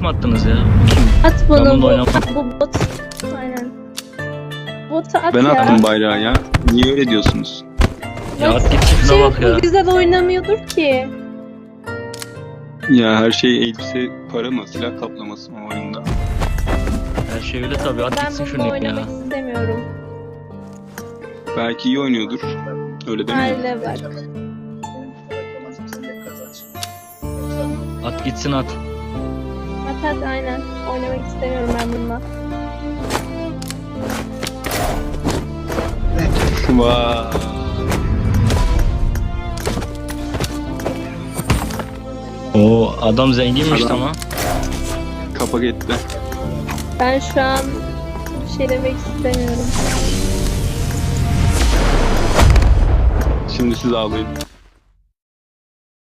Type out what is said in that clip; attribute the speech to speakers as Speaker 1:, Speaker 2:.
Speaker 1: mı attınız ya? Kim?
Speaker 2: At
Speaker 1: Ben
Speaker 2: bunu
Speaker 1: bunu
Speaker 2: bu,
Speaker 1: oynamam.
Speaker 2: bu bot. Aynen. Botu at
Speaker 3: Ben
Speaker 2: ya.
Speaker 3: attım bayrağı ya. Niye öyle diyorsunuz?
Speaker 1: Ya at git şuna
Speaker 2: Şey,
Speaker 1: bak ya.
Speaker 2: bu güzel oynamıyordur ki.
Speaker 3: Ya her şey elbise para mı? Silah kaplaması mı oyunda?
Speaker 1: Her şey öyle tabii. At
Speaker 2: Ben
Speaker 1: gitsin
Speaker 2: bununla
Speaker 1: şunu
Speaker 2: oynamak
Speaker 1: ya.
Speaker 2: istemiyorum.
Speaker 3: Belki iyi oynuyordur. Öyle değil mi?
Speaker 2: Hale bak.
Speaker 1: At gitsin at.
Speaker 2: At aynen. Oynamak istemiyorum ben bununla.
Speaker 3: Vay.
Speaker 1: Oo adam zenginmiş
Speaker 3: Adam-
Speaker 1: ama.
Speaker 3: Kapak etti.
Speaker 2: Ben şu an bir şey demek istemiyorum.
Speaker 3: Şimdi siz ağlayın.